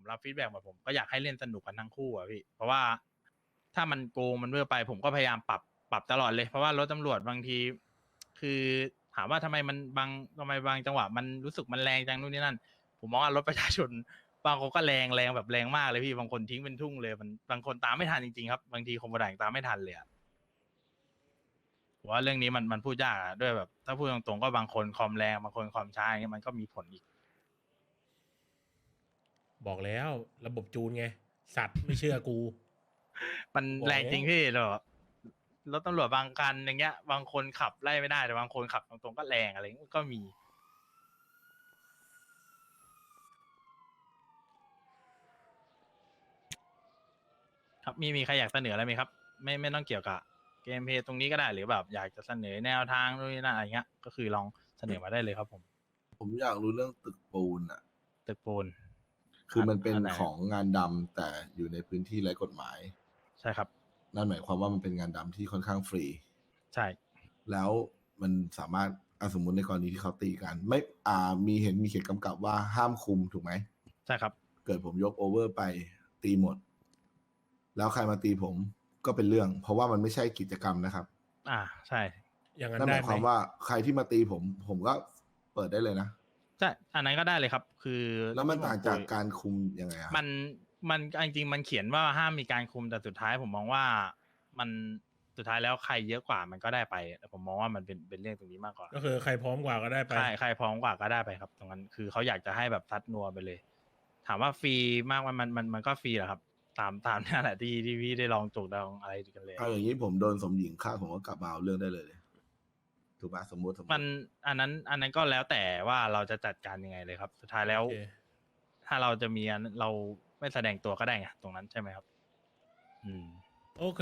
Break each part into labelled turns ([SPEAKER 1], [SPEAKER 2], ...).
[SPEAKER 1] รับฟีดแบ็กมาผมก็อยากให้เล่นสนุกกันทั้งคู่อะพี่เพราะว่าถ้ามันโกงมันเวอร์ไปผมก็พยายามปรับตลอดเลยเพราะว่ารถตำรวจบางที คือถามว่าทำไมบางจังหวะมันรู้สึกมันแรงจังนู่นนี่นั่นผมมองว่ารถประชาชนบางคนก็แรงแบบแรงมากเลยพี่บางคนทิ้งเป็นทุ่งเลยมันบางคนตามไม่ทันจริงๆครับบางทีคอมโบด่างตามไม่ทันเลยอะผมว่าเรื่องนี้มันพูดยากอะด้วยแบบถ้าพูดตรงๆก็บางคนคอมแรงบางคนคอมช้าอย่างเงี้ยมันก็มีผลอีก
[SPEAKER 2] บอกแล้วระบบจูนไงสัตว์ไม่เชื่อกู
[SPEAKER 1] มัน
[SPEAKER 2] บอก
[SPEAKER 1] แรงจริง
[SPEAKER 2] แล้ว
[SPEAKER 1] พี่หรอรถตำรวจบางคันอย่างเงี้ยบางคนขับไล่ไม่ได้แต่บางคนขับตรงๆก็แรงอะไรเงี้ยก็มีครับมีใครอยากเสนออะไรไหมครับไม่ต้องเกี่ยวกับเกมเพลย์ตรงนี้ก็ได้หรือแบบอยากจะเสนอแนวทางนู่นนี่นั่นอะไรเงี้ยก็คือลองเสนอมาได้เลยครับผม
[SPEAKER 3] ผมอยากรู้เรื่องตึกปูนอ่ะ
[SPEAKER 1] ตึกปูน
[SPEAKER 3] คือมันเป็น
[SPEAKER 1] อันไหน
[SPEAKER 3] ของงานดำแต่อยู่ในพื้นที่ไร้กฎหมาย
[SPEAKER 1] ใช่ครับ
[SPEAKER 3] นั่นหมายความว่ามันเป็นงานดำที่ค่อนข้างฟรี
[SPEAKER 1] ใช่
[SPEAKER 3] แล้วมันสามารถสมมุติในกรณีที่เขาตีกัน ไม่มีเขียนกำกับว่าห้ามคุมถูกไหม
[SPEAKER 1] ใช่ครับ
[SPEAKER 3] เกิดผมยกโอเวอร์ไปตีหมด แล้วใครมาตีผมก็เป็นเรื่อง เพราะว่ามันไม่ใช่กิจกรรมนะครับ
[SPEAKER 1] ใช่
[SPEAKER 2] อย่างนั้น
[SPEAKER 3] นั่นห
[SPEAKER 2] ได้
[SPEAKER 3] มาย
[SPEAKER 2] ไห
[SPEAKER 3] ค
[SPEAKER 2] ม
[SPEAKER 3] วามว่าใครที่มาตีผมก็เปิดได้เลยนะ
[SPEAKER 1] ใช่อันนั้นก็ได้เลยครับ คือ
[SPEAKER 3] แล้วมันต่างจาก
[SPEAKER 1] ที่ผคุย
[SPEAKER 3] การคุมยังไงอะ
[SPEAKER 1] มันจริงๆมันเขียนว่าห้ามมีการคุมแต่สุดท้ายผมมองว่ามันสุดท้ายแล้วใครเยอะกว่ามันก็ได้ไปแต่ผมมองว่ามันเป็นเรื่องตรงนี้มากกว่า
[SPEAKER 2] ก็คือใครพร้อมกว่าก็ได้ไป
[SPEAKER 1] ใครพร้อมกว่าก็ได้ไปครับตรงนั้นคือเขาอยากจะให้แบบซัดนัวไปเลย ถามว่าฟรีมากมันก็ฟรีแหละครับ ตามนั่นแหละที่พี่ได้ลองจุกลองอะไรกันเลย
[SPEAKER 3] เอาอย่างนี้ผมโดนสมหญิงฆ่าผมก็กลับมาเอาเรื่องได้เลย ถูกปะสมมติ
[SPEAKER 1] มันอันนั้นก็แล้วแต่ว่าเราจะจัดการยังไงเลยครับ สุดท้ายแล้ว
[SPEAKER 2] โอเค
[SPEAKER 1] ถ้าเราจะมีเราไม่แสดงตัวก็ได้ไงตรงนั้นใช่ไหมครับ
[SPEAKER 2] โอเค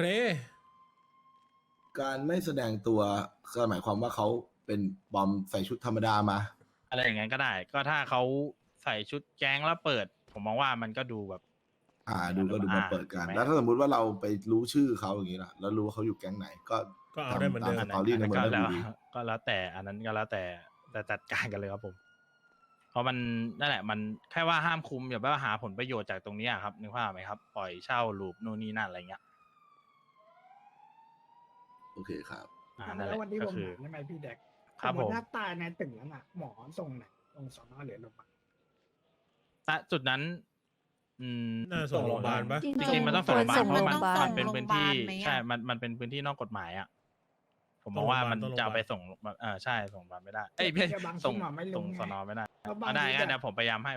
[SPEAKER 3] การไม่แสดงตัวก็หมายความว่าเขาเป็นบอมใส่ชุดธรรมดามา
[SPEAKER 1] อะไรอย่างนั้นก็ได้ ก็ถ้าเขาใส่ชุดแก๊งแล้วเปิด ผมมองว่ามันก็ดูแบบ
[SPEAKER 3] ดูมาเปิดกัน
[SPEAKER 1] ถูกไหม
[SPEAKER 3] แล้วถ้าสมมติว่าเราไปรู้ชื่อเขาอย่างนี้ล่ะ แล้วรู้ว่าเขาอยู่แก๊งไหนก็
[SPEAKER 2] ก็เอาได้เหมือนเดิม
[SPEAKER 3] ตสตอรี่ในเมือง
[SPEAKER 1] ก็
[SPEAKER 3] ได้
[SPEAKER 1] แล้ว
[SPEAKER 3] ดี
[SPEAKER 1] ก็แล้วแต่อันนั้นก็แล้วแต่จัดการกันเลยครับผม เพราะมันนั่นแหละมันแค่ว่าห้ามคุมอย่าไปว่าหาผลประโยชน์จากตรงนี้อะครับนึกภาพไหมครับ ปล่อยเช่าลูปนู่นนี่นั่นอะไรเงี้ย
[SPEAKER 3] โอเคครับ
[SPEAKER 1] นั่นแห
[SPEAKER 4] แล้ว
[SPEAKER 1] ละ
[SPEAKER 4] วันนี้
[SPEAKER 1] ก็
[SPEAKER 4] ผม
[SPEAKER 1] คือ
[SPEAKER 4] ถามได้ไหมพี่แดก
[SPEAKER 1] ครับ
[SPEAKER 4] สม
[SPEAKER 1] ผม
[SPEAKER 4] ติถ้าตายในตึกนั้นอ่ะ หมอส่งไหนลงสอนอหรือโรงพยาบาล
[SPEAKER 1] ณจุดนั้น
[SPEAKER 2] น่าส่งโรงพยาบาลปะ
[SPEAKER 1] จริงๆมันต้องส่งโรงพยาบาลเพราะมันเป็นพื้นที่
[SPEAKER 5] ไหมอะ
[SPEAKER 1] ใช่มันเป็นพื้นที่นอกกฎหมายอ่ะผมมองว่ามันจะเอาไปส่งใช่ส่งโรงพยาบาลไม่ได้เอ้ยไม่
[SPEAKER 4] บาง
[SPEAKER 1] ส่ง
[SPEAKER 4] ที่หมอไม่ล
[SPEAKER 1] ส่ง
[SPEAKER 4] ง
[SPEAKER 1] สนไม่ได้
[SPEAKER 4] แล้วบาง
[SPEAKER 1] ได้
[SPEAKER 4] ที
[SPEAKER 1] งั้น
[SPEAKER 4] แบ
[SPEAKER 1] เดี๋ย
[SPEAKER 4] บ
[SPEAKER 1] วผมพยายามให้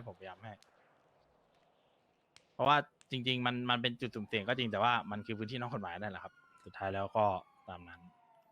[SPEAKER 1] เพราะว่าจริง ๆ มันเป็นจุดสุ่มเสี่ยงก็จริงแต่ว่ามันคือพื้นที่นอกกฎหมายนั่นแหละครับ สุดท้ายแล้วก็ตามนั้น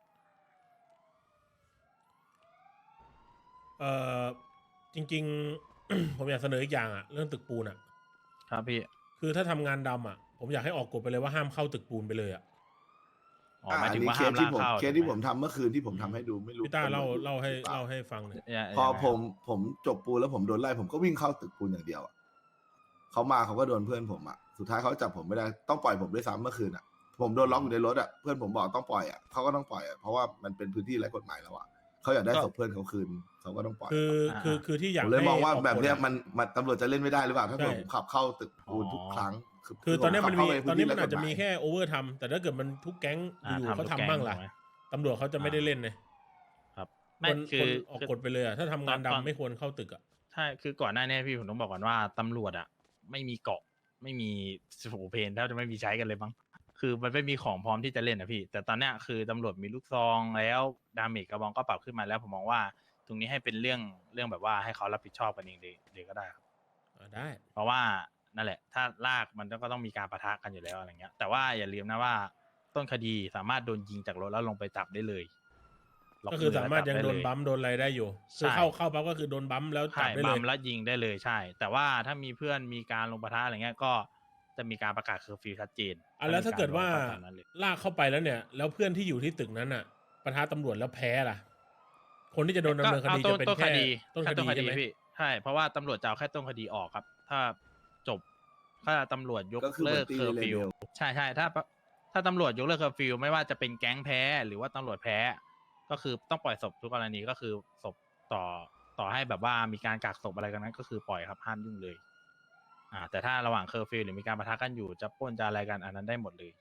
[SPEAKER 2] จริง ๆ ผมอยากเสนออีกอย่างอ่ะ เรื่องตึกปูนอ่ะ
[SPEAKER 1] ครับพี่
[SPEAKER 2] คือถ้าทำงานดำอ่ะ ผมอยากให้ออกกฎไปเลยว่าห้ามเข้าตึกปูนไปเลยอ่ะ
[SPEAKER 1] หมายถึงว่า
[SPEAKER 3] เค
[SPEAKER 1] ห้า
[SPEAKER 3] ส
[SPEAKER 1] ม
[SPEAKER 3] ที่
[SPEAKER 1] ลาก
[SPEAKER 3] ผม
[SPEAKER 1] เข้า
[SPEAKER 3] เคสที่ผมทำเมื่อคืนที่ผมทำให้ดูไม่รู้
[SPEAKER 2] พี่ต้าเล่า
[SPEAKER 3] ตำรวจอยู่
[SPEAKER 2] ให้
[SPEAKER 3] หรือป
[SPEAKER 2] เล่าให้ฟังหน่อย
[SPEAKER 3] พอผมจบปูนแล้วผมโดนไล่ผมก็วิ่งเข้าตึกปูนอย่างเดียวอะเขามาเขาก็โดนเพื่อนผมอะสุดท้ายเขาจับผมไม่ได้ต้องปล่อยผมด้วยซ้ำเมื่อคืนอะผมโดนล็อกอยู่ในรถอะเพื่อนผมบอกต้องปล่อยอะเขาก็ต้องปล่อยอะเพราะว่ามันเป็นพื้นที่ไร้กฎหมายแล้วอะเขาอยากได้ศพเพื่อนเขาคืนเขาก็ต้องปล่อย
[SPEAKER 2] คือที่อยาก
[SPEAKER 3] ผมเลยมองว่า
[SPEAKER 2] ให้ก
[SPEAKER 3] แบบเนี้ย
[SPEAKER 2] กฎอะ
[SPEAKER 3] มันตำรวจจะเล่นไม่ได้หรือเปล่าถ้าเกิด
[SPEAKER 2] ใช่
[SPEAKER 3] ผมขับเข้าตึกปูนทุกครั้ง
[SPEAKER 2] คือตอนนี้มันมี
[SPEAKER 3] ผขับเข้าไป
[SPEAKER 2] ตอนนี้
[SPEAKER 3] พื้
[SPEAKER 2] มันอาจจะมี
[SPEAKER 3] ไร้กฎหย
[SPEAKER 2] แค่โอเวอร์ทำแต่ถ้าเกิดมันทุกแก๊งอยู่ๆเขา
[SPEAKER 1] ทุก
[SPEAKER 2] ทำ
[SPEAKER 1] แก๊
[SPEAKER 2] บ้างล่ะ
[SPEAKER 1] ถูกไหม
[SPEAKER 2] ตำรวจเขาจะไม่ได้เล่นเลย
[SPEAKER 1] ครับ
[SPEAKER 2] ค
[SPEAKER 1] ไม่
[SPEAKER 2] น
[SPEAKER 1] คื
[SPEAKER 2] ค
[SPEAKER 1] อน
[SPEAKER 2] ออกกฎไปเลยอ่ะถ้าทำงาน
[SPEAKER 1] ตอน
[SPEAKER 2] ดำไม่ควรเข้าตึกอ่ะ
[SPEAKER 1] ใช่คือก่อนหน้านี้พี่ผมต้องบอกก่อนว่าตำรวจอ่ะ ไม่มีเกาะไม่มีโหเพนแทบจะไม่มีใช้กันเลยมั้งคือมันไม่มีของพร้อมที่จะเล่นนะพี่ แต่ตอนเนี้ยคือตำรวจมีลูกซองแล้วดาเมจกระบองก็ปรับขึ้นมาแล้วผมมองว่า ตรงนี้ให้เป็นเรื่องแบบว่าให้เขารับผิดชอบกันเองเลยก็ได้ครับ
[SPEAKER 2] ได้
[SPEAKER 1] เพราะว่านั่นแหละ ถ้าลากมันก็ต้องมีการปะทะกันอยู่แล้วอะไรเงี้ย แต่ว่าอย่าลืมนะว่าต้นคดีสามารถโดนยิงจากรถแล้วลงไปจับได้เลยล็
[SPEAKER 2] ก็คือสามารถ
[SPEAKER 1] แล้ว
[SPEAKER 2] ยัง
[SPEAKER 1] จับ
[SPEAKER 2] โด
[SPEAKER 1] ได้
[SPEAKER 2] น
[SPEAKER 1] เลย
[SPEAKER 2] บัมป์โดนอะไรได้อยู่
[SPEAKER 1] ใช่
[SPEAKER 2] คือเข้าปั๊บก็คือโดนบัมป์แล้วจั
[SPEAKER 1] ใช่
[SPEAKER 2] บได้เล
[SPEAKER 1] บั
[SPEAKER 2] ย
[SPEAKER 1] มแล้วยิงได้เลยใช่ แต่ว่าถ้ามีเพื่อนมีการลงปะทะอะไรเงี้ยก็จะมีการประกาศเคอร์ฟิวชัดเจน
[SPEAKER 2] แล้วถ้าเกิดว่า
[SPEAKER 1] ตามนั้นเลย
[SPEAKER 2] ลากเข้าไปแล้วเนี่ย แล้วเพื่อนที่อยู่ที่ตึกนั้นอ่ะปะทะตำรวจแล้วแพ้ล่ะ คนที่จะโดนดำเนินคดีจะเป็นแค่ต้นคดีใช่ไหม
[SPEAKER 1] พี่ใช่เพราะว่าตำรวจจะเอาแค่ต้นคดีออกครับ ถ้าจบถ้าตำรวจยก
[SPEAKER 3] ก็คือ
[SPEAKER 1] เลิก
[SPEAKER 3] เหมือนตี
[SPEAKER 1] เคอร์
[SPEAKER 3] เล
[SPEAKER 1] ฟิว
[SPEAKER 3] เวล
[SPEAKER 1] ใช่ถ้าตำรวจยกเลิกเคอร์ฟิวไม่ว่าจะเป็นแก๊งแพ้ หรือว่าตำรวจแพ้ ก็คือต้องปล่อยศพทุกกรณีก็คือศพต่อให้แบบว่ามีการกักศพอะไรกันนั้นก็คือปล่อยครับห้ามยุ่งเลยแต่ถ้าระหว่างเคอร์ฟิวหรือมีการปะทะกันอยู่จะปล้นจะอะไรกันอันนั้นได้หมดเลย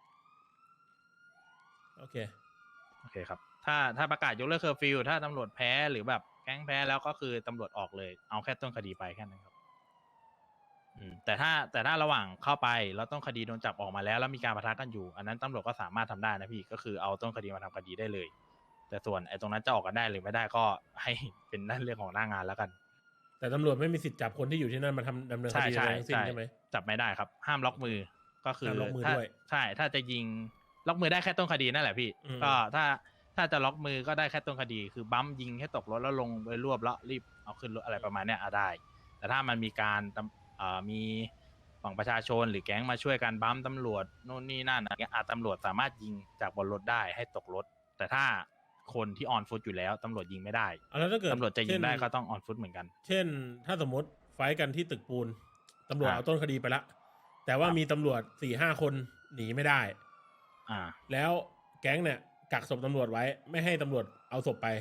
[SPEAKER 2] โอเค
[SPEAKER 1] โอเคครับถ้าประกาศยกเลิกเคอร์ฟิวถ้าตำรวจแพ้หรือแบบแก๊งแพ้แล้วก็คือตำรวจออกเลยเอาแค่ต้นคดีไปแค่นั้นครับแต่ถ้าระหว่างเข้าไปแล้วต้นคดีโดนจับออกมาแล้วมีการปะทะกันอยู่อันนั้นตำรวจก็สามารถทำได้นะพี่ก็คือเอาต้นคดีมาทำคดีได้เลย แต่ส่วนไอ้ตรงนั้นจะออกกันได้หรือไม่ได้ก็ให้เป็นนั่นเรื่องของหน้างานแล้วกัน
[SPEAKER 2] แต่ตำรวจไม่มีสิทธิ์จับคนที่อยู่ที่นั่นมาดำเนินคดีอะไรทั้งสิ้นใช่ไหม
[SPEAKER 1] จับไม่ได้ครับ ห้ามล็อกมือก็คือ
[SPEAKER 2] ห้ามล็อกมือด้วย
[SPEAKER 1] ใช่ถ้าจะยิงล็อกมือได้แค่ต้นคดีนั่นแหละพี่ ก็ถ้าจะล็อกมือก็ได้แค่ต้นคดี คือบัมยิงให้ตกรถแล้วลงไปรวบแล้วรีบเอาขึ้นรถอะไรประมาณเนี้ยได้ แต่ถ้ามันมีการมีฝั่งประชาชนหรือแก๊งมาช่วยกันบัมตำรวจโน่นนี่นั่นอะไรเงี้ยตำรวจสามารถยิงจากบนรถได้ให้ตกรถ แต่ถ้าคนที่ออนฟุตอยู่แล้วตำรวจยิงไม่ได้
[SPEAKER 2] แล้วถ้าเกิด
[SPEAKER 1] ตำรวจจะยิงได้ก็ต้องออนฟุตเหมือนกัน
[SPEAKER 2] เช่น ถ้าสมมติไฟท์กันที่ตึกปูนตำรวจ
[SPEAKER 1] อ่า
[SPEAKER 2] เอาต้นคดีไปละแต่ว่ามีตำรวจ4-5 คนหนีไม่ได้
[SPEAKER 1] อ่า
[SPEAKER 2] แล้วแก๊งเนี่ยกักศพตำรวจไว้ไม่ให้ตำรวจเอาศพไป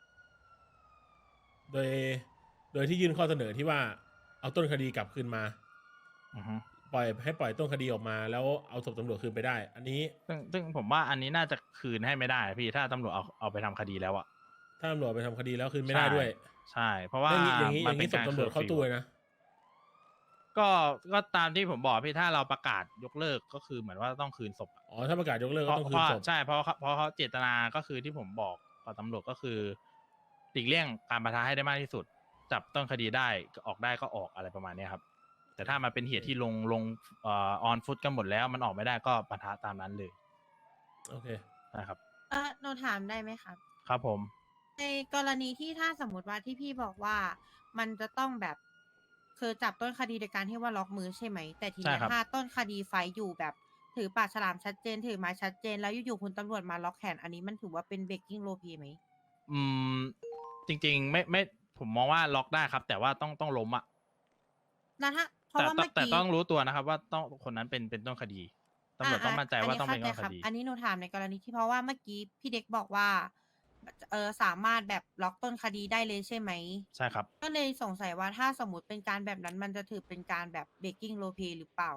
[SPEAKER 2] โดยที่ยื่นข้อเสนอที่ว่าเอาต้นคดีกลับคืนมา
[SPEAKER 1] อือฮึ
[SPEAKER 2] ปล่อยต้นคดีออกมาแล้วเอาศพตำรวจคืนไปได้ อันนี้
[SPEAKER 1] ซึ่งผมว่าอันนี้น่าจะคืนให้ไม่ได้พี่ถ้าตำรวจเอาไปทำคดีแล้วอะ
[SPEAKER 2] ถ้าตำรวจไปทำคดีแล้วคืนไม่ได้ด้วย
[SPEAKER 1] ใช่ เพราะว่า
[SPEAKER 2] อย่างนี้
[SPEAKER 1] มันเป็น
[SPEAKER 2] ศพ
[SPEAKER 1] การ
[SPEAKER 2] ตำรวจเข้า
[SPEAKER 1] curfew
[SPEAKER 2] ตู้เลยนะ
[SPEAKER 1] ก็ตามที่ผมบอกพี่ถ้าเราประกาศยกเลิกก็คือเหมือนว่าต้องคืนศพอะ
[SPEAKER 2] อ๋อถ้าประกาศยกเลิก
[SPEAKER 1] เพ
[SPEAKER 2] ก็
[SPEAKER 1] ราะ
[SPEAKER 2] ต้อง
[SPEAKER 1] เพ
[SPEAKER 2] คืน
[SPEAKER 1] ราะ
[SPEAKER 2] ศพ
[SPEAKER 1] ใช่เพราะเขาเจตนาก็คือที่ผมบอกกับตำรวจก็คือหลีกเลี่ยงการปะทะให้ได้มากที่สุด จับต้นคดีได้ออกได้ก็ออกอะไรประมาณเนี้ยครับ แต่ถ้ามันเป็นเหตุที่ลงออนฟุตกันหมดแล้วมันออกไม่ได้ก็ปะทะตามนั้นเลย
[SPEAKER 2] โอเค
[SPEAKER 1] นะครับ
[SPEAKER 5] หนูถามได้ไหมครับ
[SPEAKER 1] ครับผม
[SPEAKER 5] ในกรณีที่ถ้าสมมติว่าที่พี่บอกว่ามันจะต้องแบบคือจับต้นคดีโดยการที่ว่าล็อกมือใช่ไหม แต่ทีเนี้ย
[SPEAKER 1] ใช่ครับ
[SPEAKER 5] ถ้าต้นคดีไฟท์อยู่แบบถือปากฉลามชัดเจน ถือไม้ชัดเจน แล้วอยู่ๆคุณตำรวจมาล็อกแขนอันนี้มันถือว่าเป็นเบรกกิ้งโลพีไหม
[SPEAKER 1] อืมจริงๆไม่ผมมองว่าล็อกได้ครับ แต่ว่าต้องล้มอ่ะ
[SPEAKER 5] แล้วถ้าเพราะว่าเมื่อ
[SPEAKER 1] แต่
[SPEAKER 5] กี้
[SPEAKER 1] ต้องรู้ตัวนะครับ ว่าต้องคนนั้นเป็นต้นคดีตำรวจต้องมั่นใจว่าต้องเป็นต้นคดี
[SPEAKER 5] อันนี้หนูถามในกรณีที่เพราะว่าเมื่อกี้พี่เด็กบอกว่าสามารถแบบล็อกต้นคดีได้เลยใช่ไหม
[SPEAKER 1] ใช่ครับ
[SPEAKER 5] ก็เลยสงสัยว่าถ้าสมมติเป็นการแบบนั้นมันจะถือเป็นการแบบเบรกกิ้งโลพีหรือเปล่า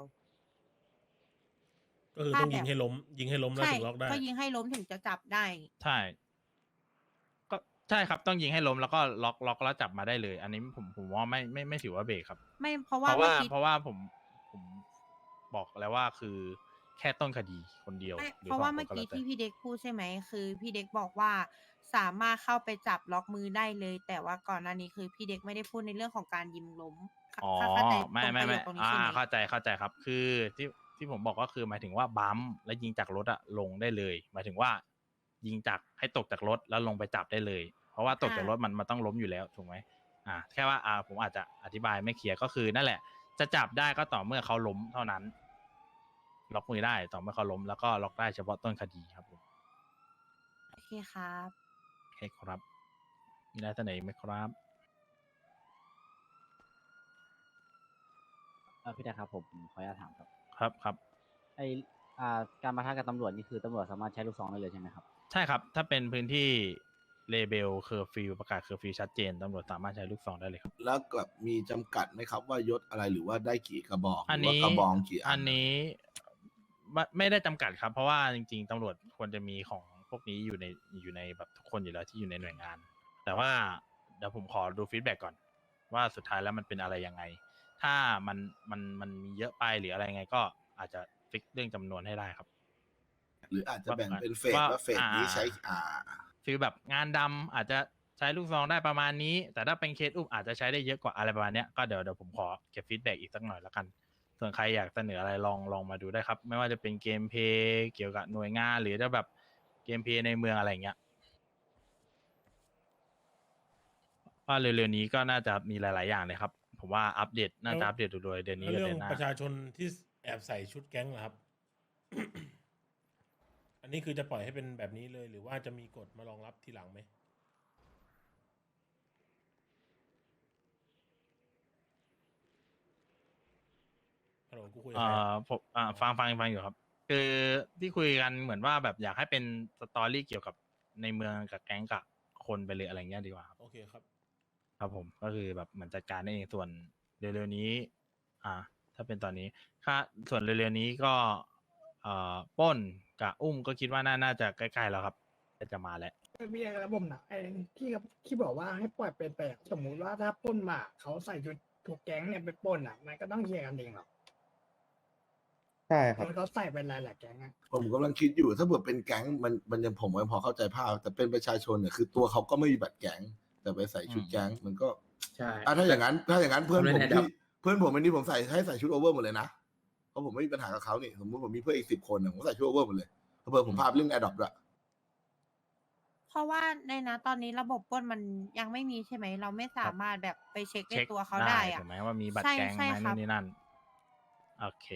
[SPEAKER 2] ก็คือต้องยิงให้ล้มแล้ว
[SPEAKER 5] ใช่
[SPEAKER 2] ถึงล็อกได้
[SPEAKER 5] ก็ยิงให้ล้มถึงจะจับได้
[SPEAKER 1] ใช่ ก็ใช่ครับต้องยิงให้ล้มแล้วก็ล็อกแล้วจับมาได้เลย อันนี้ผมว่าไม่ถือว่าเบรกครับ
[SPEAKER 5] ไม่เพราะ
[SPEAKER 1] เพ
[SPEAKER 5] ว่า
[SPEAKER 1] ราะ
[SPEAKER 5] เมื่
[SPEAKER 1] ว่า
[SPEAKER 5] อกี้
[SPEAKER 1] เพราะว่าผมบอกแล้วว่าคือแค่ต้นคดีคนเดียว
[SPEAKER 5] ไม่
[SPEAKER 1] หรือ
[SPEAKER 5] เพราะว่า
[SPEAKER 1] สองคน
[SPEAKER 5] เมื่อกี้
[SPEAKER 1] แล้วแต่
[SPEAKER 5] ที่พี่เด็กพูดใช่ไหมคือพี่เด็กบอกว่าสามารถเข้าไปจับล็อกมือได้เลย แต่ว่าก่อนหน้านี้คือพี่เด็กไม่ได้พูดในเรื่องของการยิงล้ม
[SPEAKER 1] อ๋อ
[SPEAKER 5] เข้าใจต
[SPEAKER 1] ไม่
[SPEAKER 5] รงประโยคตรงนี้ใช่ไหม
[SPEAKER 1] เข้าใจครับ คือที่ผมบอกก็คือหมายถึงว่าบัมป์แล้วยิงจากรถอะลงได้เลย หมายถึงว่า ยิงจากให้ตกจากรถแล้วลงไปจับได้เลย เพราะว่าตกจากรถมันต้องล้มอยู่แล้วถูกไหมแค่ว่าผมอาจจะอธิบายไม่เคลียร์ก็คือนั่นแหละ จะจับได้ก็ต่อเมื่อเขาล้มเท่านั้น ล็อกมือได้ต่อเมื่อเขาล้มแล้วก็ล็อกได้เฉพาะต้นคดีครับผม
[SPEAKER 5] โอเคครับ
[SPEAKER 1] โอเคครับมีอะไรเสนออีกไหมครับ
[SPEAKER 6] พี่แดกครับผมขออนุญาตถามครับ
[SPEAKER 1] ครับ
[SPEAKER 6] ไอการปะทะกับตำรวจนี่คือตำรวจสามารถใช้ลูกซองได้เลยใช่ไหมครับ
[SPEAKER 1] ใช่ครับ ถ้าเป็นพื้นที่เลเบลเคอร์ฟิวประกาศเคอร์ฟิวชัดเจนตำรวจสามารถใช้ลูกซองได้เลยครับ
[SPEAKER 3] แล้วแบบมีจำกัดไหมครับ ว่ายศอะไรหรือว่าได้กี่กระบอกห
[SPEAKER 1] อัน
[SPEAKER 3] รือว่า
[SPEAKER 1] นี้
[SPEAKER 3] กระบองกี่อั
[SPEAKER 1] อันนี้ไม่ได้จำกัดครับ เพราะว่าจริงๆตำรวจควรจะมีของพวกนี้อยู่ในแบบทุกคนอยู่แล้วที่อยู่ในหน่วยงาน แต่ว่าเดี๋ยวผมขอดูฟีดแบ็กก่อน ว่าสุดท้ายแล้วมันเป็นอะไรยังไง ถ้ามันมีเยอะไปหรืออะไรยังไง ก็อาจจะฟิกเรื่องจำนวนให้ได้ครับ
[SPEAKER 3] หรืออาจจะแบ่งเป็นเฟส
[SPEAKER 1] ว่า
[SPEAKER 3] ว่าเฟสนี้ใช้
[SPEAKER 1] ฟีลแบบงานดำอาจจะใช้ลูกซองได้ประมาณนี้ แต่ถ้าเป็นเคสอุ้มอาจจะใช้ได้เยอะกว่าอะไรประมาณเนี้ยก็เดี๋ยวผมขอเก็บฟีดแบ็กอีกสักหน่อยแล้วกัน ส่วนใครอยากเสนออะไรลองมาดูได้ครับ ไม่ว่าจะเป็นเกมเพลย์เกี่ยวกับหน่วยงาน หรือจะแบบเกมเพลย์ในเมืองอะไรเงี้ยว่าเร็วๆนี้ก็น่าจะมีหลายๆอย่างเลยครับ ผมว่าอัปเดตน่าจะอัปเดตโดยเดือนนี้
[SPEAKER 2] แล้ว
[SPEAKER 1] กับ
[SPEAKER 2] เรื่อ
[SPEAKER 1] เดือง นหน้า
[SPEAKER 2] ประชาชนที่แอบใส่ชุดแก๊งเหรอครับ อันนี้คือจะปล่อยให้เป็นแบบนี้เลย หรือว่าจะมีกฎมารองรับทีหลังไหมฮัลโหลกูคุยกับใครอะ
[SPEAKER 1] ผมฟังอยู่ครับ คือที่คุยกันเหมือนว่าแบบอยากให้เป็นสตอรี่เกี่ยวกับในเมืองกับแก๊งกับคนไปเลยอะไรเงี้ยดีกว่าครับ
[SPEAKER 2] โอเคครับ
[SPEAKER 1] ครับผมก็คือแบบเหมือนจัดการได้เองส่วนเร็วๆนี้ถ้าเป็นตอนนี้ค่าส่วนเร็วๆนี้ก็ปล้นกับอุ้มก็คิดว่าน่าจะใกล้ๆแล้วครับจะมาแล้ว
[SPEAKER 4] มีอะไรระบบนะไอ้ที่บอกว่าให้ปล่อยเป็นไปอะสมมุติว่าถ้าปล้นมาเขาใส่ชุดถูกแก๊งเนี่ยไปปล้นอ่ะมันก็ต้องเคลียร์กันเองหรอก
[SPEAKER 7] ใช่ครับ
[SPEAKER 4] เขาใส่เป็นหลายๆแก๊งอะ
[SPEAKER 3] ผมกำลังคิดอยู่ถ้าเกิดเป็นแก๊งมันยังผมยังพอเข้าใจภาพแต่เป็นประชาชนเนี่ยคือตัวเขาก็ไม่มีบัตรแก๊งแต่ไปใส่ชุดแก๊งมันก็
[SPEAKER 7] ใช่
[SPEAKER 3] ถ้าอย่างนั้นเพื่อนผม
[SPEAKER 7] ผมเล่น
[SPEAKER 3] ที่
[SPEAKER 7] Adopt
[SPEAKER 3] เพื่อนผมอันนี้ผมให้ใส่ชุดโอเวอร์หมดเลยนะเพราะผมไม่มีปัญหากับเขานี่สมมติผมมีเพื่อนอีก10 คนผมใส่ชุดโอเวอร์หมดเลยเพื่อผมพาไปเล่นแอดดอปด้วย
[SPEAKER 5] เพราะว่าในนะตอนนี้ระบบปล้นมันยังไม่มีใช่ไหม เราไม่สามารถแบบไปเช็คในตัวเขาได้อะ
[SPEAKER 1] ถูกไหมว่ามีบัตร
[SPEAKER 5] ใช่
[SPEAKER 1] แก๊ง
[SPEAKER 5] ใช่
[SPEAKER 1] ไหม
[SPEAKER 5] ครั
[SPEAKER 1] นู่
[SPEAKER 5] บ
[SPEAKER 1] นนี่นั่นโอเค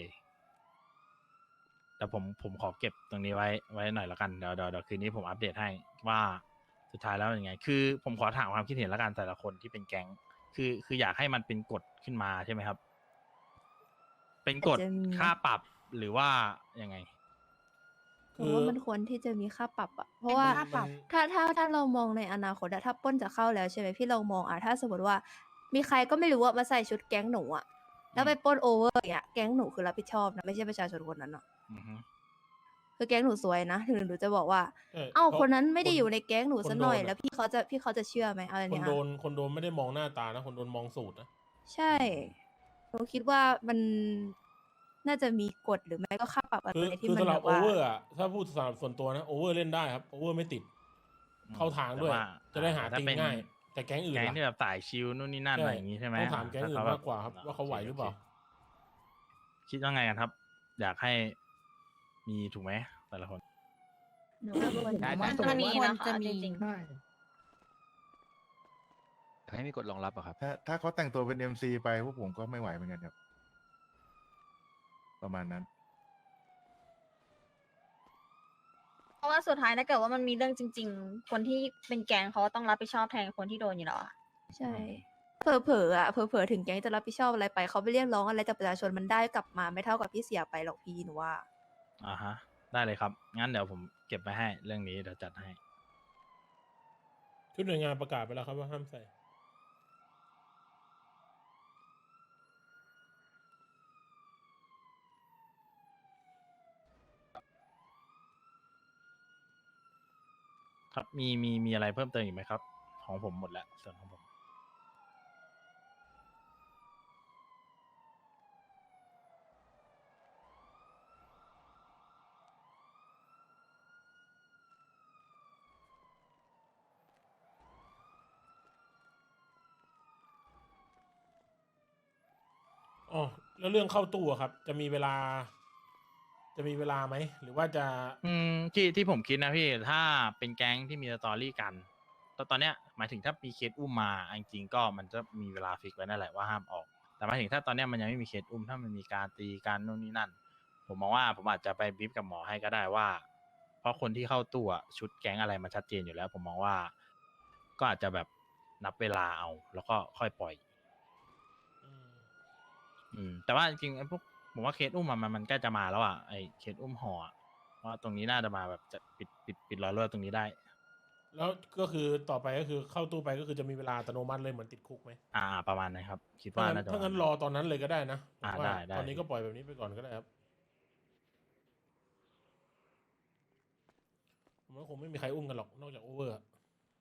[SPEAKER 1] แต่ผมขอเก็บตรงนี้ไว้หน่อยแล้วกันเดี๋ยวคืนนี้ผมอัปเดตให้ว่าสุดท้ายแล้วยังไง คือผมขอถามความคิดเห็นแล้วกันแต่ละคนที่เป็นแก๊งคืออยากให้มันเป็นกฎขึ้นมาใช่ไหมครับ เป็นกฎ
[SPEAKER 8] อาจจะมี
[SPEAKER 1] ค่าปรับหรือว่ายังไง
[SPEAKER 8] ผมว่ามันควรที่จะมีค่าปรับอะเพราะว่า
[SPEAKER 5] ค่าปรับ
[SPEAKER 8] ถ้าเรามองในอนาคตอะถ้าปล้นจะเข้าแล้วใช่ไหมพี่เรามองอะถ้าสมมติว่า มีใครก็ไม่รู้ว่ามาใส่ชุดแก๊งหนูอะแล้วไปปล้นโอเวอร์อย่างเงี้ยแก๊งหนูคือรับผิดชอบนะไม่ใช่ประชาชนคนนั้นอะ
[SPEAKER 1] อือฮึ
[SPEAKER 8] คือแก๊งหนูซวยนะถึงหนูจะบอกว่า
[SPEAKER 2] ใช่
[SPEAKER 8] เอ้า
[SPEAKER 2] เพราะ
[SPEAKER 8] คนนั้นไม่ได้อยู่ในแก๊งหนู
[SPEAKER 2] คน
[SPEAKER 8] ซะหน่อย
[SPEAKER 2] โดนอะ
[SPEAKER 8] แล้วพี่เขาจะเชื่อไหมอะไร
[SPEAKER 2] คน
[SPEAKER 8] เนี่ย
[SPEAKER 2] โดนไม่ได้มองหน้าตานะคนโดนมองสูตรนะ
[SPEAKER 8] ใช่หนูคิดว่ามันน่าจะมีกฎหรือไม่ก็ค่าปรับอะไร
[SPEAKER 2] คือ
[SPEAKER 8] ที่
[SPEAKER 2] คือ
[SPEAKER 8] มัน
[SPEAKER 2] สำห
[SPEAKER 8] แบ
[SPEAKER 2] รับบ โอ
[SPEAKER 8] ว่า
[SPEAKER 2] เวอร์อ่ะถ้าพูดสำหรับส่วนตัวนะโอเวอร์เล่นได้ครับโอเวอร์ไม่ติด เข้าทางด้วย
[SPEAKER 1] แต่
[SPEAKER 2] จะได้หา
[SPEAKER 1] ถ้
[SPEAKER 2] ตี
[SPEAKER 1] เป็น
[SPEAKER 2] ง่าย แต่แก๊งอื่น
[SPEAKER 1] แก๊ง
[SPEAKER 2] ล่ะ
[SPEAKER 1] ที่แบบสายชิลนู่นนี่นั่น
[SPEAKER 2] ใช่
[SPEAKER 1] อะไรอย่างงี้ใช่ไหม
[SPEAKER 2] ต้องถามแก๊งอื่น
[SPEAKER 1] ถ้เข
[SPEAKER 2] มากกว่าครับว่าเขาไหวหรือเปล่า
[SPEAKER 1] โคคิดว่าไงกันครับ อยากให้มีถูกไหมแต่ละคน
[SPEAKER 8] หนูว่าควร
[SPEAKER 7] ได้
[SPEAKER 8] จะ
[SPEAKER 7] ได้
[SPEAKER 5] มัน
[SPEAKER 8] มี
[SPEAKER 5] ควร
[SPEAKER 8] นะคะ
[SPEAKER 5] จะมี
[SPEAKER 8] จริง
[SPEAKER 4] ใช่
[SPEAKER 9] ให้มีกฎรองรับอะครับ
[SPEAKER 10] ถ้าเขาแต่งตัวเป็น MC ไปพวกผมก็ไม่ไหวเหมือนกันครับ ประมาณนั้น
[SPEAKER 11] เพราะว่าสุดท้ายถ้าเกิดว่ามันมีเรื่องจริง ๆ คนที่เป็นแก๊งเขาก็ต้องรับผิดชอบแทนคนที่โดนอยู่แล้วอะ
[SPEAKER 8] ใช่ เผลอๆอ่ะเผลอๆถึงแก๊งจะรับผิดชอบอะไรไปเขาไปเรียกร้องอะไรจากประชาชนมันได้กลับมาไม่เท่ากับที่เสียไปหรอกพี่หนูว่า
[SPEAKER 1] อ่าฮะ ได้เลยครับ งั้นเดี๋ยวผมเก็บไปให้เรื่องนี้เดี๋ยวจัดให้
[SPEAKER 2] ชุดหน่วยงานประกาศไปแล้วครับว่าห้ามใส่
[SPEAKER 1] ครับมีอะไรเพิ่มเติมอีกไหมครับ ของผมหมดแล้วส่วนของผม
[SPEAKER 2] อ๋อแล้วเรื่องเข้าตู้อะครับ จะมีเวลาไหมหรือว่าจะ
[SPEAKER 1] ที่ผมคิดนะพี่ถ้าเป็นแก๊งที่มีสตอรี่กันตอนเนี้ยหมายถึงถ้ามีเคสอุ้มมาจริงๆก็มันจะมีเวลาฟิกไว้นั่นแหละว่าห้ามออก แต่หมายถึงถ้าตอนเนี้ยมันยังไม่มีเคสอุ้มถ้ามันมีการตีกันนู่นนี่นั่น ผมมองว่าผมอาจจะไปบีฟกับหมอให้ก็ได้ว่า เพราะคนที่เข้าตู้อะชุดแก๊งอะไรมันชัดเจนอยู่แล้ว ผมมองว่า ก็อาจจะแบบนับเวลาเอา แล้วก็ค่อยปล่อย แต่ว่าจริงๆไอ้พวกผมว่าเคสอุ้มมันใกล้จะมาแล้วอ่ะไอ้เคสอุ้มห่ออะว่าตรงนี้น่าจะมาแบบจะปิดรอยรั่วตรงนี้ได้
[SPEAKER 2] แล้วก็คือต่อไปก็คือเข้าตู้ไปก็คือจะมีเวลาอัตโนมัติเลยเหมือนติดคุกไหม
[SPEAKER 1] ประมาณนั้นครับ คิด
[SPEAKER 2] ถ้า
[SPEAKER 1] ว่า
[SPEAKER 2] งั้น
[SPEAKER 1] น่าจะ
[SPEAKER 2] ถ้างั้น
[SPEAKER 1] ประ
[SPEAKER 2] ร
[SPEAKER 1] มา
[SPEAKER 2] อ
[SPEAKER 1] ณ
[SPEAKER 2] ตอนนั้นเลยก็ได้นะผมว่า
[SPEAKER 1] ได้
[SPEAKER 2] ตอนนี้ก็ปล่อยแบบนี้ไปก่อนก็ได้ครับผมว่าคงไม่มีใครอุ้มกันหรอกนอกจากโอเวอร์อะ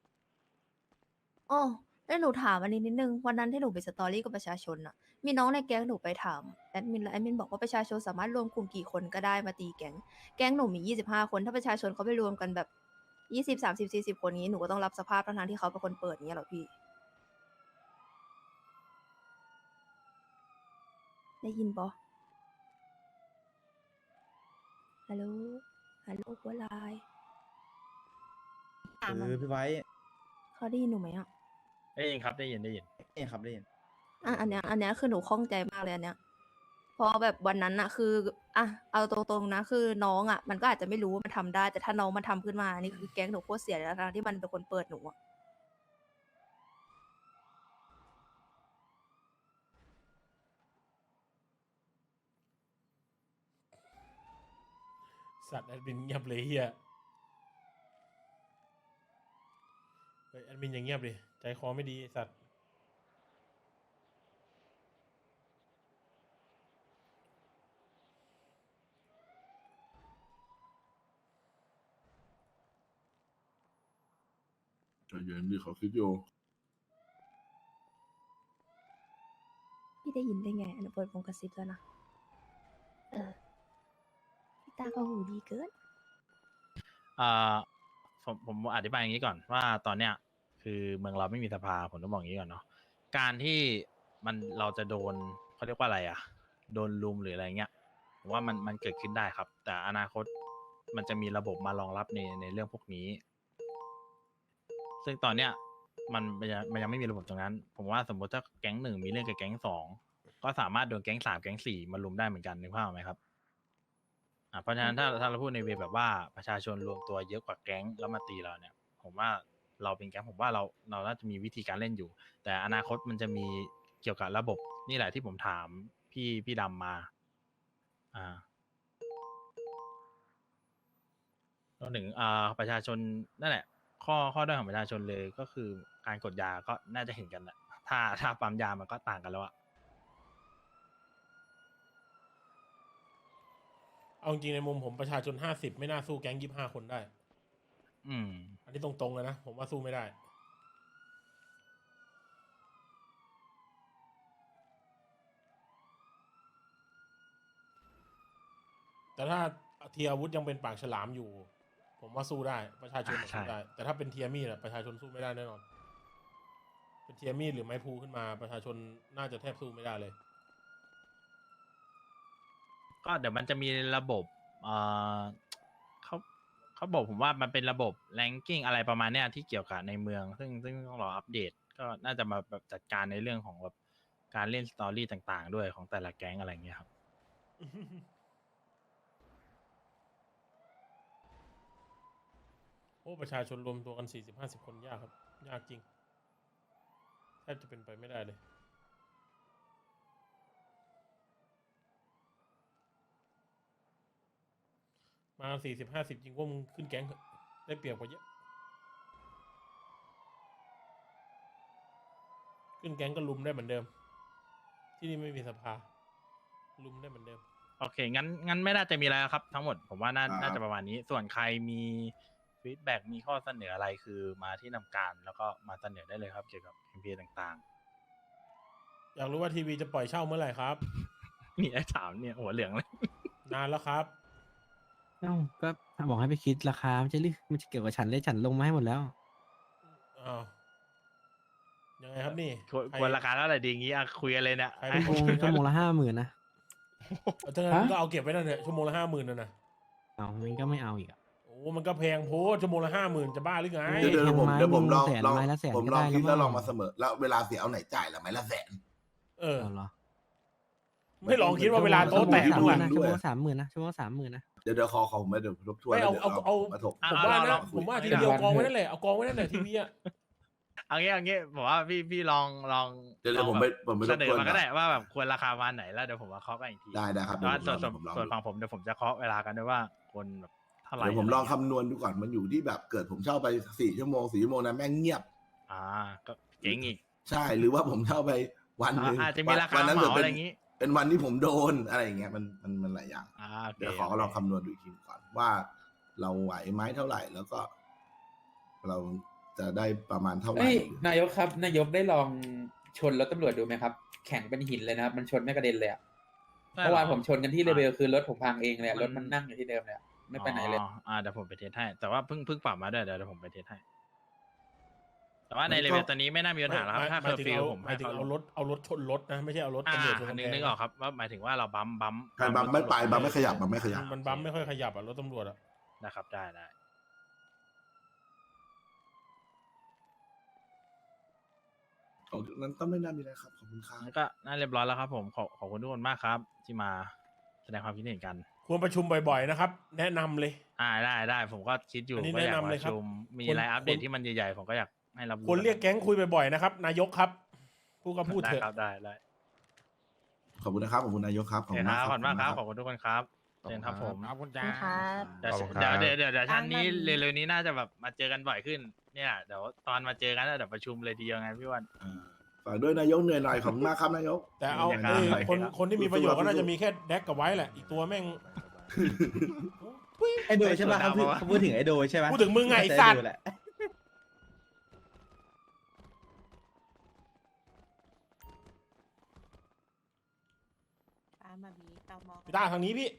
[SPEAKER 8] อ๋อแล้วหนูถามอันนี้นิดนึงวันนั้นที่หนูไปสตอรี่กับประชาชนอะมีน้องในแก๊งหนูไปถามแอดมินแล้วแอดมินบอกว่าประชาชนสามารถรวมกลุ่มกี่คนก็ได้มาตีแก๊งหนูมี25 คนถ้าประชาชนเขาไปรวมกันแบบ20 30 40 คนนี้หนูก็ต้องรับสภาพทั้งๆที่เขาเป็นคนเปิดอย่างเงี้ยเหรอพี่ ได้ยินปะฮัลโหลหัวลาย
[SPEAKER 5] ถามมัน
[SPEAKER 7] พี่ไว้
[SPEAKER 8] เขาได้ยินหนูไหมอ่ะ
[SPEAKER 1] ได้ยินครับได้ยิน
[SPEAKER 7] นี่ครับได้ยิน
[SPEAKER 8] อันเนี้ยคือหนูข้องใจมากเลยอันเนี้ยเพราะแบบวันนั้นอะคือเอาตรงๆนะคือน้องอะมันก็อาจจะไม่รู้ว่ามันทำได้ แต่ถ้าน้องมันทำขึ้นมานี่คือแก๊งหนูโคตรเสียแล้วนะที่มันเป็นคนเปิดหนูอะ
[SPEAKER 2] สัตว์แอดมินเงียบเลยเฮียเฮ้ยแอดมินอย่างเงียบดิ ใจคอไม่ดีไอ้สัตว์
[SPEAKER 3] ใจเย็นดิเขาคิดอยู่
[SPEAKER 8] พี่ได้ยินได้ไงอันนเปิดวงกระซิบแล้วนะพี่ตาก็หูดีเกิน
[SPEAKER 1] ผมอธิบายอย่างนี้ก่อนว่าตอนเนี้ยคือเมืองเราไม่มีสภาผมต้องบอกอย่างนี้ก่อนเนาะการที่เราจะโดนเขาเรียกว่าอะไรอ่ะโดนลุมหรืออะไรเงี้ยผมว่ามันเกิดขึ้นได้ครับ แต่อนาคตมันจะมีระบบมารองรับในเรื่องพวกนี้ ซึ่งตอนเนี้ยมันยังไม่มีระบบตรงนั้น ผมว่าสมมติถ้าแก๊ง 1มีเรื่องกับแก๊ง 2ก็สามารถโดนแก๊ง 3แก๊ง 4มาลุมได้เหมือนกันนึกภาพออกไหมครับเพราะฉะนั้นถ้าเราพูดในเวแบบว่าประชาชนรวมตัวเยอะกว่าแก๊งแล้วมาตีเราเนี่ย ผมว่าเราเป็นแก๊งผมว่าเราน่าจะมีวิธีการเล่นอยู่ แต่อนาคตมันจะมีเกี่ยวกับระบบนี่แหละที่ผมถามพี่ดำมารวมถึงประชาชนนั่นแหละข้อด้อยของประชาชนเลยก็คือการกดยาก็น่าจะเห็นกันแหละถ้าปั๊มยามันก็ต่างกันแล้วอะ
[SPEAKER 2] เอาจริงในมุมผมประชาชน50ไม่น่าสู้แก๊ง25คนได้ อันนี้ตรงๆเลยนะผมว่าสู้ไม่ได้ แต่ถ้าเทียอาวุธยังเป็นปากฉลามอยู่ ผมว่าสู้ได้ประชาชนสู้ได้ แต่ถ้าเป็นเทียมีดประชาชนสู้ไม่ได้แน่นอนเป็นเทียมีดหรือไม้พลูขึ้นมาประชาชนน่าจะแทบสู้ไม่ได้เลย
[SPEAKER 1] ก็เดี๋ยวมันจะมีระบบเขาบอกผมว่ามันเป็นระบบแรงกิ้งอะไรประมาณเนี้ยที่เกี่ยวกับในเมืองซึ่งต้องรออัปเดตก็น่าจะมาแบบจัดการในเรื่องของแบบการเล่นสตอรี่ต่างๆด้วยของแต่ละแก๊งอะไรเงี้ยครับ
[SPEAKER 2] โอ้ประชาชนรวมตัวกัน40-50 คนยากครับยากจริงแทบจะเป็นไปไม่ได้เลยมา40-50 จริงว่ามึงขึ้นแก๊งเถอะได้เปรียบกว่าเยอะขึ้นแก๊งก็ลุมได้เหมือนเดิมที่นี่ไม่มีสภาลุมได้เหมือนเดิม
[SPEAKER 1] โอเคงั้นไม่น่าจะมีอะไรแล้วครับทั้งหมดผมว่าน่าจะประมาณนี้ส่วนใครมีฟีดแบ็กมีข้อเสนออะไรคือมาที่นำการแล้วก็มาเสนอได้เลยครับเกี่ยวกับ MP ต่างๆ
[SPEAKER 2] อยากรู้ว่าทีวีจะปล่อยเช่าเมื่อไหร่ครับ
[SPEAKER 1] มีไอ้ถามเนี่ยหัวเหลืองเลย
[SPEAKER 2] นานแล้วครับ
[SPEAKER 6] ก็บอกให้ไปคิดราคามันจะเกี่ยวกับฉันเลยฉันลงมาให้หมดแล้ว
[SPEAKER 2] อ้าวยังไงครับนี่
[SPEAKER 1] ควรราคาเท่าไหร่ดีงี้คุยกันเลยเนี่ย
[SPEAKER 6] ชั่วโมงละ50,000นะ
[SPEAKER 2] ถ้างั้นก็เอาเก็บไว้นั่นเถอะชั่วโมงละ50,000นั่นนะ
[SPEAKER 6] เอามันก็ไม่เอาอีก
[SPEAKER 2] โอ้มันก็แพงโพสชั่วโมงละ50,000จะบ้าหรือไง
[SPEAKER 3] เดี๋ยวผมลอง
[SPEAKER 6] ไม้ละแสน
[SPEAKER 3] ผม
[SPEAKER 6] ก็
[SPEAKER 3] ลอง
[SPEAKER 6] ได้
[SPEAKER 3] คิด
[SPEAKER 6] แล้ว
[SPEAKER 3] แล้วลอง
[SPEAKER 6] มั้
[SPEAKER 3] มาง เสมอแล้วเวลาเสียเอาไหนจ่ายละไม้ละแสน
[SPEAKER 6] เอาเหรอ
[SPEAKER 2] ไม่ลองคิดว่าเวลาโต๊ะแตก
[SPEAKER 3] ชั่
[SPEAKER 2] บ้าว ง
[SPEAKER 3] โม
[SPEAKER 2] ล่ะ
[SPEAKER 3] ง
[SPEAKER 6] ชั่วโมงละ30,000นะชั่วโมงละ30,000นะ
[SPEAKER 3] เดี๋ยวขอผมไม่เดี๋ยวทบทวน
[SPEAKER 2] ไม่เอา
[SPEAKER 3] แล้วดี๋ยว
[SPEAKER 2] เอา
[SPEAKER 3] มาถก
[SPEAKER 2] ผมว่า
[SPEAKER 1] ล
[SPEAKER 2] นะ
[SPEAKER 1] อง
[SPEAKER 2] ผมว่าทีเดียวกองไว้นั่นแหละเอากองไว้นั่นแหละทีวีอะ
[SPEAKER 1] เอางี้ผมว่าพี่ลอง
[SPEAKER 3] เดี๋ยวผมไป
[SPEAKER 1] เส
[SPEAKER 3] ทบ
[SPEAKER 1] นอ
[SPEAKER 3] ทวน
[SPEAKER 1] มาก็
[SPEAKER 3] ก่อน
[SPEAKER 1] ได้ว่าแบบควรราคาประมาณไหนแล้วเดี๋ยวผมมาเคาะกันอีกที
[SPEAKER 3] ได้ครับ
[SPEAKER 1] แต่ว่า
[SPEAKER 3] เดี๋ยวผมลอง
[SPEAKER 1] ส่วนฝั่งผมเดี๋ยวผมจะเคาะเวลากันด้วยว่าคนแบบเท่าไหร่
[SPEAKER 3] เดี๋ยวผมลองคำนวณดูก่อนมันอยู่ที่แบบเกิดผมเช่าไป4 ชั่วโมงนะแม่งเงียบ
[SPEAKER 1] ก็เจ๋งอีก
[SPEAKER 3] ใช่หรือว่าผมเช่าไปวันหนึง
[SPEAKER 1] อาจจะมีราคา
[SPEAKER 3] วันนั้น
[SPEAKER 1] เห
[SPEAKER 3] เกิด
[SPEAKER 1] มา
[SPEAKER 3] เป็
[SPEAKER 1] อะไร
[SPEAKER 3] น
[SPEAKER 1] อย่างงี้
[SPEAKER 3] เป็นวันที่ผมโดนอะไรอย่างเงี้ยมันหลายอย่าง
[SPEAKER 1] โอเค
[SPEAKER 3] เดี๋ยวขอลองคำนวณดูอีกทีก่อนว่าเราไหวไหมเท่าไหร่แล้วก็ เราจะได้ประมาณเท่าไหร่
[SPEAKER 12] นายกครับนายกได้ลองชนรถตำรวจดูไหมครับแข็งเป็นหินเลยนะครับมันชนไม่กระเด็นเลยอะเมื่อวานผมชนกันที่เรเบลคือรถผมพังเองเลยรถมันนั่งอยู่ที่เดิมเลยไม่ไปไหนเลย
[SPEAKER 1] เดี๋ยวผมไปเทสให้แต่ว่าเพิ่งปรับมาด้วยเดี๋ยวผมไปเทสให้แต่ว่าในเลเวลตอนนี้ไม่น่ามีปัญหาแล้วครับถ้าเคอร์ฟิวผม
[SPEAKER 2] หมายถึงเอารถชนรถนะไม่ใช่เอารถตำรวจชน
[SPEAKER 1] นึกออกครับว่าหมายถึงว่าเราบัม
[SPEAKER 3] ใครบัมไม่ไปบัมไม่ขยับบัมไม่ขยับ
[SPEAKER 2] มันบัมไม่ค่อยขยับอะรถตำรวจอะ
[SPEAKER 1] นะครับได้
[SPEAKER 3] ของนั้นก็ไม่น่ามีอะไรครับขอบคุณครับ
[SPEAKER 1] งั้นก็น่าเรียบร้อยแล้วครับผมขอบคุณทุกคนมากครับ ที่มาแสดงความคิดเห็นกัน
[SPEAKER 2] ควรประชุมบ่อยๆนะครับแนะนำเลย
[SPEAKER 1] ได้ผมก็คิดอยู่
[SPEAKER 2] อันนี้
[SPEAKER 1] ว่าอยาก
[SPEAKER 2] แนะนำเลย
[SPEAKER 1] ประ
[SPEAKER 2] ครับ
[SPEAKER 1] ชุมมี
[SPEAKER 2] คน
[SPEAKER 1] อะไรอัปเดตที่มันใหญ่ๆผมก็อยากให้รับรู้
[SPEAKER 2] ควรเรียกแก๊งคุยบ่อยๆนะครับนายกครับพูดก็พูด
[SPEAKER 1] ได้
[SPEAKER 2] เถอะ
[SPEAKER 1] ครับได้
[SPEAKER 3] ขอบคุณนะครับขอบคุณนายกครับ
[SPEAKER 1] ขอบคุณมากครับขอบคุณทุกคนครับเชิญครับผม
[SPEAKER 10] ขอบคุณจ้า
[SPEAKER 11] ครับ
[SPEAKER 1] เดี๋ยวชั้นนี้เร็วๆนี้น่าจะแบบมาเจอกันบ่อยขึ้นเนี่ยเดี๋ยวตอนมาเจอกันเดี๋ยวประชุมเลยทีเดียวไงพี่วัน
[SPEAKER 3] ฝากด้วยนายกเหนื่อยหน่อยขอบคุณมากครับนายก
[SPEAKER 2] แต่เอา
[SPEAKER 1] ครับ
[SPEAKER 2] คนที่มีประโยชน์ก็น่าจะมีแค่แดกกับไว้แหละอีกตัวแม่ง
[SPEAKER 7] ไอโดยใช่ป่ะเขาพูดถึงไอโดยใช่ไหม
[SPEAKER 2] พูดถึงมึงไงไอ้สัตว์
[SPEAKER 7] แหละ
[SPEAKER 5] มาบีตามอง
[SPEAKER 2] พี่ตาทางนี้พี่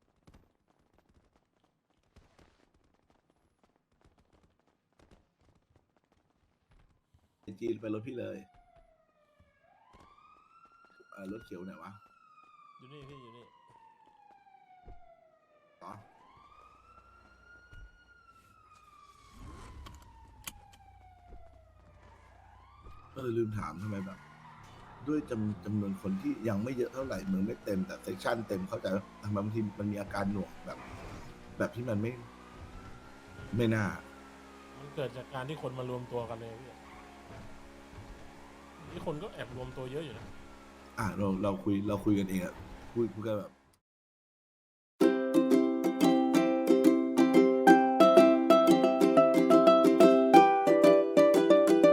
[SPEAKER 3] จีนไปรถพี่เลยรถเขียวไหนวะ
[SPEAKER 2] อยู่นี่พี่อยู่นี่
[SPEAKER 3] ต่อลืมถามทำไมแบบ ด้วยจำนวนคนที่ยังไม่เยอะเท่าไหร่เมืองไม่เต็มแต่เซกชันเต็มเข้าใจว่าทำไมบางทีมันมีอาการหน่วงแบบที่มันไม่น่า
[SPEAKER 2] มันเกิดจากการที่คนมารวมตัวกันเลยพี่นี่คนก็แอบรวมตัวเยอะอยู่นะ
[SPEAKER 3] เราคุยกันเองอะคุยกันแบบ